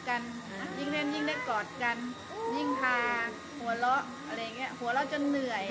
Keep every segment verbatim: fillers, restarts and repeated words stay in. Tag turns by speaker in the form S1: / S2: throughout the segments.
S1: กัน ยิ่งเล่นยิ่งได้กอดกัน ยิ่งพาหัวเราะอะไรเงี้ยหัวเราะจนเหนื่อย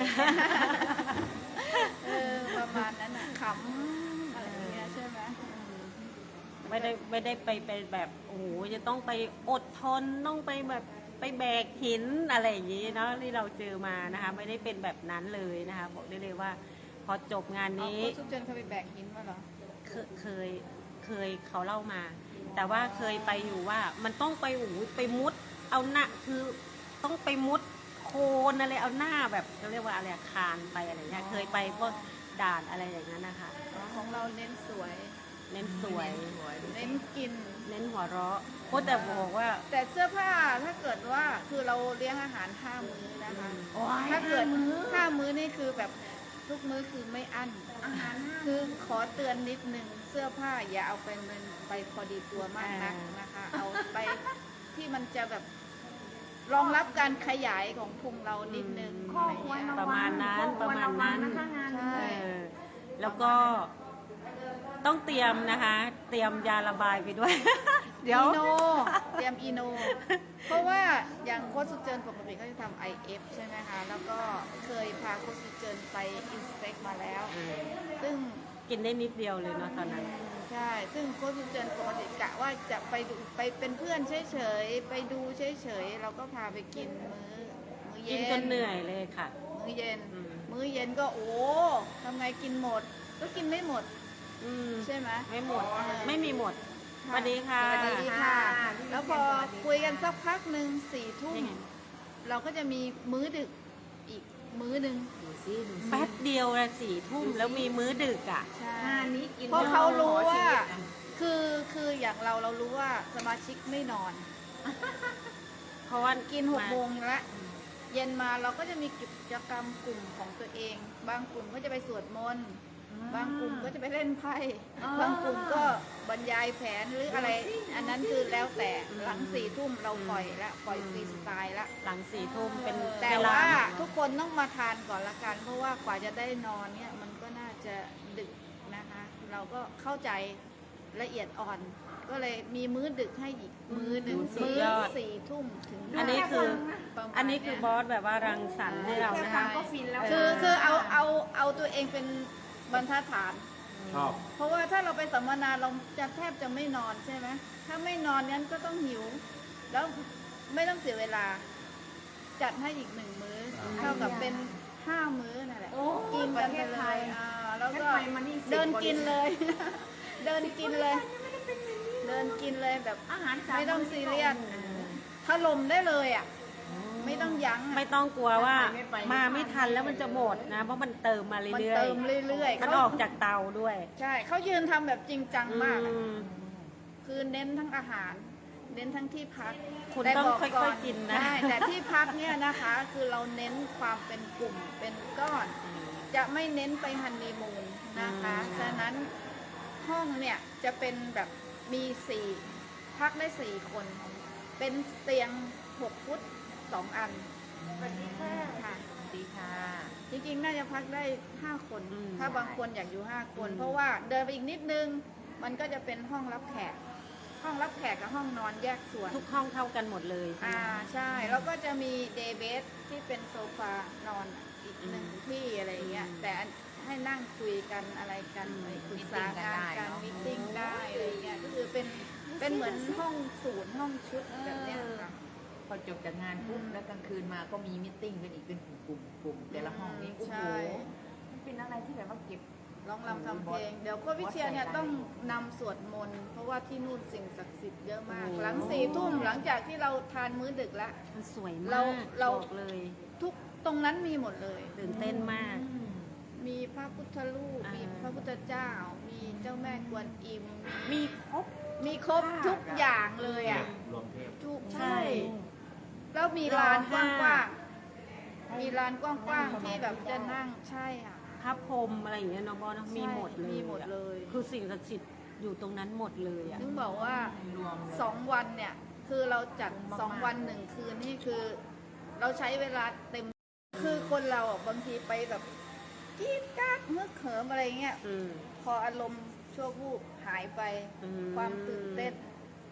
S1: เออประมาณนั้นอ่ะขำอะไรเงี้ยใช่ไหม
S2: ไม่ได้ไม่ได้ไปเป็นแบบโอ้โหจะต้องไปอดทนต้องไปแบบไปแบกหินอะไรอย่างนี้เนาะที่เราเจอมานะคะไม่ได้เป็นแบบนั้นเลยนะคะบอกได้เลยว่าพอจบงานนี้
S1: โค้ชสุเจนเคยไปแบกหินมาเหรอ
S2: เคยเคยเคยเขาเล่ามา แต่ว่าเคยไปอยู่ว่ามันต้องไปโอ้โหไปมุดเอาหน้าคือต้องไปมุดโคนอะไรเอาหน้าแบบเขาเรียกว่าอะไรคานไปอะไรเงี้ยเคยไปพวกด่านอะไรอย่างนั้นนะคะ
S1: ของเราเน้นสวย
S2: เน้นสวย
S1: เน้นกิน
S2: เน้นหัวเราะโคแต่บอกว่า
S1: แต่เสื้อผ้าถ้าเกิดว่าคือเราเลี้ยงอาหารห้ามื้อนะคะถ้าเกิดห้ามื้อนี่คือแบบทุกมื้อคือไม่อั้นอาหารคือขอเตือนนิดนึงเสื้อผ้าอย่าเอาไปมันไปพอดีตัวมากนักนะคะ เอาไปที่มันจะแบบรองรับการขยายของพุงเรานิดนึง
S3: ข้อควร
S2: ประมาณนั้นประมาณนั้น
S3: นะคะงาน
S1: ใช่
S2: เออแล้วก็ต้องเตรียมนะคะ เตรียมยาระบายไปด้วย เดี๋ยว
S1: อีโนเตรียมอีโน เพราะว่าอย่างโค้ชสุเจินปกติเขาจะทำ ไอ เอฟ ใช่ไหมคะ แล้วก็เคยพาโค้ชสุเจินไปอินสเปกมาแล้ว ซึ่ง
S2: กินได้นิดเดียวเลยเนาะตอนนั้น
S1: ใช่ ซึ่งโค้ชสุเจินปกติกะว่าจะไปดูไปเป็นเพื่อนเฉยๆ ไปดูเฉยๆ เราก็พาไปกินมื้อมื้อเย็
S2: กิน
S1: น
S2: จนเหนื่อยเลยค่ะ
S1: มื้อเย็น
S2: อืม
S1: มื้อเย็นก็โอ้ทำไงกินหมด ก็กินไม่หมด
S2: อืม
S1: ใช่ไหม
S2: ไม่หมดไม่มีหมดสวัสดีค่ะ
S1: สวัสดีค่ะ แล้วพอคุยกันสักพักหนึ่งสี่ทุ่ม
S2: ยังไง
S1: เราก็จะมีมื้อดึกอีกมื้อหนึ่ง
S3: ดูซิดูซิ
S2: แป๊บเดียวละสี่ทุ่มแล้วมีมื้อดึกอ่ะ
S1: ใช่
S3: งานนี้กิน
S1: เพราะเขารู้ว่า
S3: ขอชีวิตอะ
S1: คือคืออย่างเราเรารู้ว่าสมาชิกไม่นอน
S2: เพราะว่า
S1: กินหกโมงละเย็นมาเราก็จะมีกิจกรรมกลุ่มของตัวเอง บางกลุ่มก็จะไปสวดมนต์บางกลุ่มก็จะไปเล่นไพ่บางกลุ่มก็บรรยายแผนหรืออะไร อันนั้นคือแล้วแต่หลังสี่ทุ่มเราปล่อยละปล่อยฟรีสไตล์ละ
S2: หลังสี่ทุ่มเป็น
S1: แต่
S2: เวลา
S1: ว่าทุกคนต้องมาทานก่อนละกัน เพราะว่ากว่าจะได้นอนเนี่ยมันก็น่าจะดึกนะคะ เราก็เข้าใจละเอียดอ่อน ก็เลยมีมื้อดึกให้อีกมื้อหนึ่ง
S2: สุด
S1: มื้อย
S2: อด
S1: สี่ทุ่มถึง
S2: อันนี้คือ
S1: ประมาณ
S2: อันนี้คือบอสแบบว่ารังสรรค์ให้เรานะคะ
S3: ก็ฟินแล้ว
S1: คือคือเอาเอาเอาตัวเองเป็นบรรทัดฐาน
S4: ชอบ
S1: เพราะว่าถ้าเราไปสัมมนาเราจะแทบจะไม่นอนใช่ไหมถ้าไม่นอนนั้นก็ต้องหิว แล้วไม่ต้องเสียเวลา จัดให้อีกหนึ่งมื้อ เท่ากับเป็นห้ามื้อนั่นแหละ
S3: โอ้
S1: กิน
S3: ป
S1: กั
S3: ระ
S1: น
S3: เท
S1: ไป
S3: ศ
S1: เล
S3: ไท
S1: ย
S3: ย
S1: อ่าแล้วก็
S3: งั้นไปมานี่สิบ
S1: เดิน
S3: กว่า
S1: กินเลย เดินกินเลย เดินกินเลยแบบ
S3: อาหารสา
S1: ไม่ต้องซีเรียส
S3: เออ
S1: ถล่มได้เลยอ่ะ ไม่ต้องยั้งอะ
S2: ไม่ต้องกลัวว่า
S3: ไม่ไปไม่ไป
S2: มาไม่ทันแล้วมันจะหมดนะ เพราะมันเติมมา
S1: มัน
S2: เรื่อย
S1: เติมเรื่อยๆ
S2: มัน
S1: เขา
S2: ออกจากเตาด้วย
S1: ใช่เขายืนทำแบบจริงจังมากอะ
S2: อืม
S1: คือเน้นทั้งอาหาร เน้นทั้งที่พัก
S2: คุณ
S1: แต่
S2: ต้อง
S1: บ
S2: ค่อยๆกินนะ
S1: ใช่แต่ที่พักเนี่ยนะคะ คือเราเน้นความเป็นกลุ่มเป็นก้อน จะไม่เน้นไปฮันนีมูนนะคะ
S2: อืม
S1: ฉะนั้นห้องเนี่ยจะเป็นแบบมีสี่พักได้สี่คน เป็นเตียงหกฟุตสองอัน
S3: สวัสดีค่ะ
S1: ค่ะ
S3: สวัสดีค่ะ
S1: จริงๆ น่าจะพักได้ห้าคน
S2: อืม
S1: ถ้าบางคนอยากอยู่ห้าคน
S2: อืม
S1: เพราะว่าเดินไปอีกนิดนึง มันก็จะเป็นห้องรับแขก ห้องรับแขกกับห้องนอนแยกส่วน
S2: ทุกห้องเท่ากันหมดเลยใช่
S1: อ่า
S2: ไหม
S1: ใช่ แล้วก็จะมีเดย์เบสที่เป็นโซฟานอนอีกหนึ่ง
S2: อืม
S1: ที่อะไรเงี้ย
S2: อืม
S1: แต่ให้นั่งคุยกันอะไรกัน
S2: อืม
S1: ไปปรึกษางานกันมิทติ้งได้อะไรเงี้ย ก็คือเป็น เป็นเหมือนห้องศูนย์ห้องชุดแบบเนี้ยค่ะ
S3: พอจบจากงานปุ๊บแล้วกลางคืนมาก็มีมิทติ้งกันอีกเป็นกลุ่มๆกลุ่มแต่ละห้องนี้โอ้โห
S1: ใช่
S3: มันเป็นอะไรที่แบบว่าเก็บ
S1: ร้องรำทำเพลง เดี๋ยวโค้ชวิเชียรเนี่ยต้องนำสวดมนต์ เพราะว่าที่นู่นสิ่งศักดิ์สิทธิ์เยอะมาก
S2: โอ้
S1: หลังสี่ทุ่มหลังจากที่เราทานมื้อดึกแล้ว
S2: มันสวย
S1: เรา
S2: มาก
S1: เรา
S2: บอกเลย
S1: ทุกตรงนั้นมีหมดเลย
S2: ตื่นเต้นมาก
S1: มีพระพุทธรูป
S2: อ่ามี
S1: มีพระพุทธเจ้า มีเจ้าแม่กวนอิม
S2: มีครบ
S1: มีครบทุกอย่างเลยอ่ะ
S4: รวมเทพ
S1: ทุก
S2: ใช่
S1: ใช่ แล้วมีลานก
S2: รอห้า
S1: ว้างๆ มีลานกว้างๆที่แบบจะนั่งใช่ค่ะ
S2: พระพรหมอะไรอย่างเงี้ยเน้องบอสเนอะมีหมดเลย
S1: มีหมดเลย
S2: อะคือสิ่งศักดิ์สิทธิ์อยู่ตรงนั้นหมดเลยอ่ะ
S1: ถึงบอกว่าร
S3: วมเลย
S1: สองวันเนี่ย คือเราจัด
S3: มากๆ
S1: สองวันหนึ่งคืนนี่คือ เราใช้เวลาเต็ม คือคนเราอ่ะบางทีไปแบบกรีดกราดเมื่อเขิมอะไรเงี้ย
S2: อืม
S1: พออารมณ์ชั่ววูบหายไป
S2: อืม
S1: ความตื่นเต้นห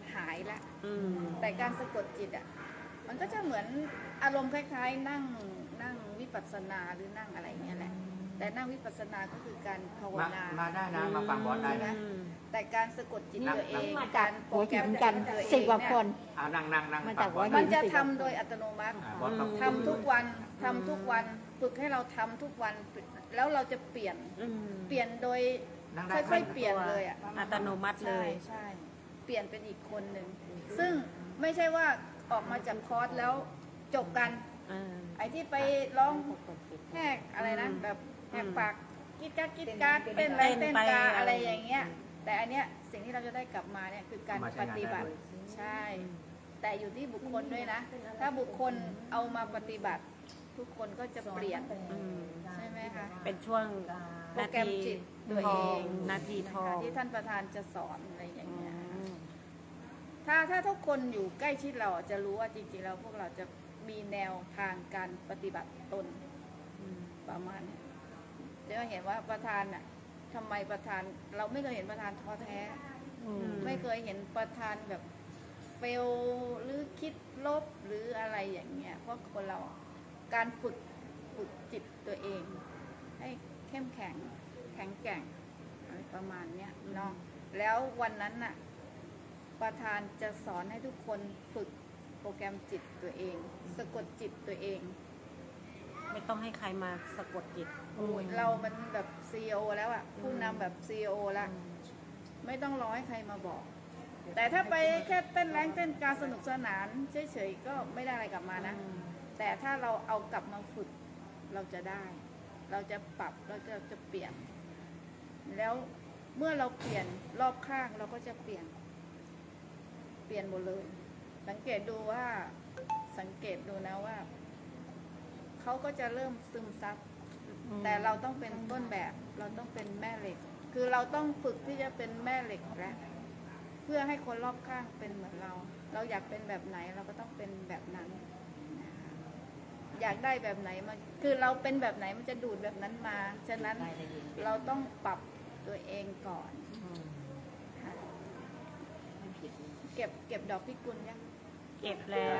S1: หายละ
S2: อืม
S1: แต่การสะกดจิตอ่ะมันก็จะเหมือนอารมณ์คล้ายๆ นั่งนั่งวิปัสสนาหรือนั่งอะไรเงี้ยแหละแต่นั่งวิปัสสนาก็คือการภาว
S4: มา
S1: นา
S4: มาได้นะ มาฟังบอสได้นะ
S1: แต่การสะกดจิตตัวเอง
S5: มาจาก
S1: การโปร
S5: หัว
S1: แกร
S5: หิ
S1: ม
S5: นกัน
S1: ตัวเอง
S5: สิบกว่าคน
S4: เอานั่งนั่งนั่ง
S5: มา
S4: ฟั
S5: จาง ก
S4: บอส
S5: หัวหิ
S1: มันจะทำโดยอัตโนมัติ
S4: อ่าบอสต้อง
S1: ทำทุกวันทำทุกวันฝึกให้เราทำทุกวันแล้วเราจะเปลี่ยน
S2: อืม
S1: เปลี่ยนโดย
S4: นั่งได้
S1: ค่อยๆเปลี่ยนเลยอ่ะ
S2: อัตโนมัติเล
S1: ใช่
S2: ย
S1: ใช่เปลี่ยนเป็นอีกคนหนึ่งซึ่งไม่ใช่ว่าออกมาจากคอร์สแล้วจบกัน
S2: เออ
S1: ไอ้ที่ไปร้องแหกอะไรนะ แบบแหกปากกิดกัดกิดกัดเต้นอะไร
S2: เต้
S1: เต้
S2: น
S1: น
S2: ไป
S1: กา
S2: อะ
S1: อะไร ไรอย่างเงี้ย แต่อันเนี้ยสิ่งที่เราจะได้กลับมาเนี่ยคือการ
S4: มาใช้
S1: ป
S4: งาน
S1: ฏิบัติ
S4: ได้ด้วย
S1: ใช่ แต่อยู่ที่บุคคลด้วยนะ ถ้าบุคคลเอามาปฏิบัติ ทุกคนก็จะเปลี่ยน
S2: อืม
S1: ใช่ไหมคะ
S2: เป็นช่วง
S1: โปร
S2: นา
S1: แกรม
S2: ที
S1: จิตตัว
S2: ท
S1: เอ
S2: อง
S1: ง
S2: นาทีทอง
S1: ที่ท่านประธานจะสอนอะไรอย่างเงี้ย
S2: อืม
S1: ถ้าถ้าทุกคนอยู่ใกล้ชิดเราจะรู้ว่าจริงๆแล้วพวกเราจะมีแนวทางการปฏิบัติตน
S2: อืม
S1: ประมาณเนี้ยเดี๋ยวเห็นว่าประธานน่ะทำไมประธานเราไม่เคยเห็นประธานท้อแท้
S5: อืม
S1: ไม่เคยเห็นประธานแบบเฟลหรือคิดลบหรืออะไรอย่างเงี้ยเพราะคนเราการฝึกฝึกจิตตัวเอง ให้เข้มแข็งแข็งแกร่งอะไรประมาณเนี้ยเนาะแล้ววันนั้นน่ะประธานจะสอนให้ทุกคนฝึกโปรแกรมจิตตัวเอง สะกดจิตตัวเอง
S2: ไม่ต้องให้ใครมาสะกดจิต
S1: โอ้ยเรามันแบบซีอีโอแล้วอะผู้นำแบบซีอีโอแล้ว ไม่ต้องรอให้ใครมาบอก แต่ถ้าไปแค่เต้นแรงเต้นการสนุกสนานเฉยๆก็ไม่ได้อะไรกลับมานะ แต่ถ้าเราเอากลับมาฝึกเราจะได้ เราจะปรับเราจะจะเปลี่ยน แล้วเมื่อเราเปลี่ยนรอบข้างเราก็จะเปลี่ยน เปลี่ยนหมดเลย สังเกตดูว่าสังเกตดูนะว่าเขาก็จะเริ่มซึมซับ แต่เราต้องเป็นต้นแบบ เราต้องเป็นแม่เหล็ก คือเราต้องฝึกที่จะเป็นแม่เหล็กแล้วเพื่อให้คนรอบข้างเป็นเหมือนเรา เราอยากเป็นแบบไหนเราก็ต้องเป็นแบบนั้นนะคะอยากได้แบบไหนมันคือเราเป็นแบบไหนมันจะดูดแบบนั้นมา ฉะนั้นเราต้องปรับตัวเองก่อนค่ะเก็บเก็บดอกพิกุลยัง
S2: เก็บแล้ว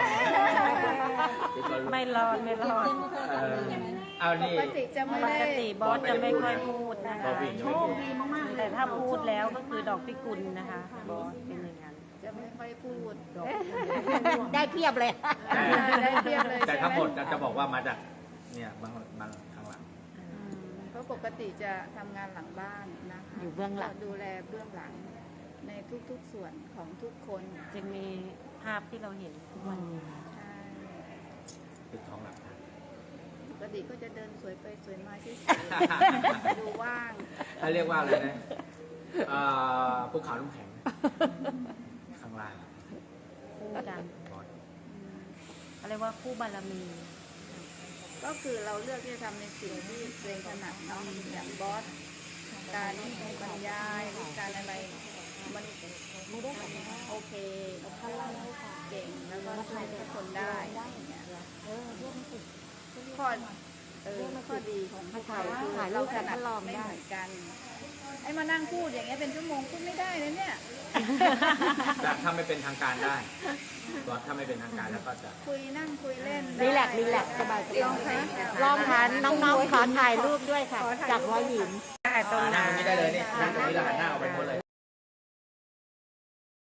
S2: ไม่รอดไม่รอด
S4: เออเอา
S1: ป
S4: นี่
S1: กติจะไม่
S2: ป
S1: ได้
S2: กติบอสจะไม่ค่อยพูดนะคะ
S4: บอสวิ่ง
S5: โชคดีมากๆเลย
S2: แต่ถ้าพูดแล้วก็คือดอกพิกุลนะคะ บอสเป็นอย่างนั้น
S1: จะไม่ค่อยพูด
S5: ได้เพียบเลย
S1: ได้เพียบเลย
S4: แต่
S1: ใช่
S4: ทั้ง
S1: ไห
S4: ห
S1: ม
S4: มดจะบอกว่ามาจากเนี่ยบางบางข้างหลัง
S1: เพราะปกติจะทำงานหลังบ้านนะคะ
S5: อยู่เบื้องหลัง
S1: ดูแลเบื้องหลังในทุกๆส่วนของทุกคน
S2: จะมีภาพที่เราเห็นทุกวันนี้
S1: ใช่
S4: ติดท้องหลัง
S1: ปกติก็จะเดินสวยไปสวยมาเฉยๆดูว่าง
S4: เขาเรียกว่าอะไรนะเอ่อภูเขาน้ำแข็ง ข้างล่าง
S2: คู่กัน
S4: บอส
S2: เขาเรียกว่าคู่บารมี
S1: ก็คือเราเลือกที่จะทำในสิ่งที่ตัวเองถนัดเนาะอย่างบอสการบรรยายหรือการอะไรมันโอเคเก่งแล้วก็ช่วยทุกคนได้อย่างเงี้ยข้อเออข้อดีของพวกเราคือ
S5: ถ่ายรู
S1: เรา
S5: ป
S1: ถ
S5: กัน
S1: นัด
S5: ทดลอง
S1: ไม่
S5: ได้
S1: เหมือนกันไอ้มานั่งพูดอย่างเงี้ยเป็นชั่วโมงพูดไม่ได้เลยเนี่ย
S4: แต่ถ้าไม่เป็นทางการได้บอสถ้าไม่เป็นทางการแล้วก็จะ
S1: คุยนั่งคุยเล่น
S5: รีแลกซ์รีแลกซ์สบายๆ
S1: ลองคะ
S5: ลองทานน้องๆขอถ่ายรูปด้วยค่ะ จากหัวหิน
S2: ได้ตรงไหน
S4: นั่งตรงนี้ได้เลยนี่นั่งตรงนี้แล้วหันหน้าออกไปหมดเลย